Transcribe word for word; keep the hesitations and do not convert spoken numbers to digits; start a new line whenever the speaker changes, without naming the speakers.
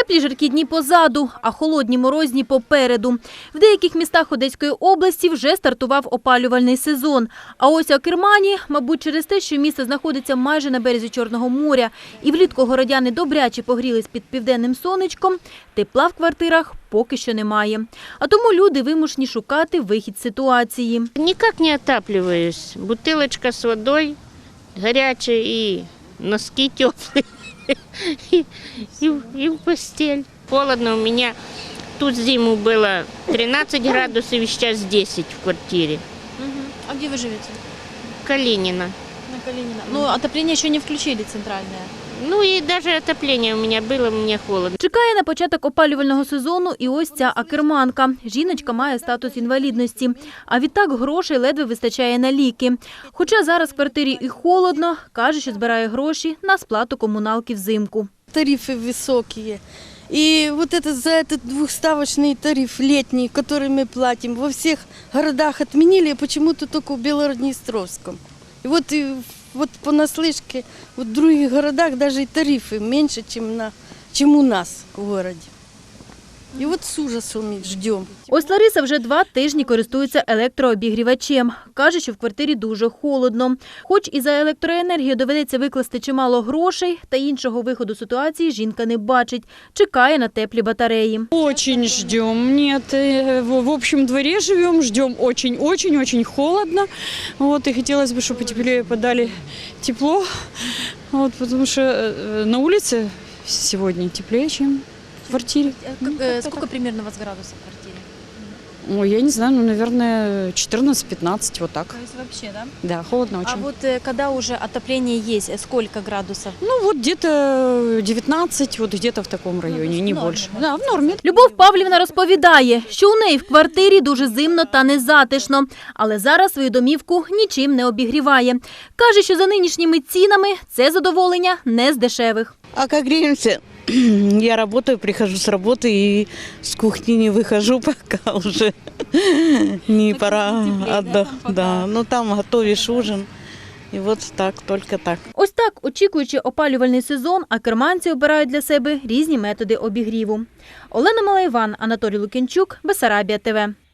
Теплі жаркі дні позаду, а холодні морозні попереду. В деяких містах Одеської області вже стартував опалювальний сезон. А ось у Акермані, мабуть, через те, що місто знаходиться майже на березі Чорного моря, і влітку городяни добряче погрілись під південним сонечком, тепла в квартирах поки що немає. А тому люди вимушені шукати вихід з ситуації.
Никак не отапливаюсь. Бутылочка с водой горячая и носки теплые. И, и, и в постель. Холодно у меня. Тут зиму было тринадцать градусов, и сейчас десять в квартире.
А где вы живете?
Калинина.
На Калинина. Но отопление еще не включили центральное.
Ну и даже отопление у меня было, мне холодно.
Чекає на початок опалювального сезону і ось ця акерманка. Жіночка має статус інвалідності, а відтак грошей ледве вистачає на ліки. Хоча зараз в квартирі і холодно, каже, що збирає гроші на сплату комуналки взимку.
Тарифы высокие. И вот это за этот двухставочный тариф летний, который мы платим, во всех городах отменили, а почему-то только в Белгород-Днестровском. И вот, и вот понаслышке, вот в других городах даже и тарифы меньше, чем, на, чем у нас в городе. І от з ужасом ждемо.
Ось Лариса вже два тижні користується електрообігрівачем. Каже, що в квартирі дуже холодно. Хоч і за електроенергію доведеться викласти чимало грошей, та іншого виходу ситуації жінка не бачить. Чекає на теплі батареї.
Очень ждем. Нет, в общем дворе живем, ждем очень-очень-очень холодно. Вот, и хотелось бы, чтобы теплее подали тепло, вот, потому что на улице сегодня теплее, чем в квартире.
Сколько примерно у вас градусов в квартире?
Ой, я не знаю, ну, наверное, четырнадцать-пятнадцать, вот так.
То есть вообще, да?
Да, холодно очень.
А вот э, когда уже отопление есть, сколько градусов?
Ну, вот где-то девятнадцать, вот где-то в таком районе, не
в норме,
больше.
да?
Да, в норме.
Любов Павлівна розповідає, що у неї в квартирі дуже зимно та незатишно, але зараз свою домівку нічим не обігріває. Каже, що за нинішніми цінами це задоволення не з дешевих.
А как греемся? Я работаю, прихожу с работы и с кухни не выхожу, пока уже не пора отдохнуть. Да, ну там готовишь ужин. І от так, тільки так.
Ось так, очікуючи опалювальний сезон, акерманці обирають для себе різні методи обігріву. Олена Малайван, Анатолій Лук'янчук, Бессарабія ТВ.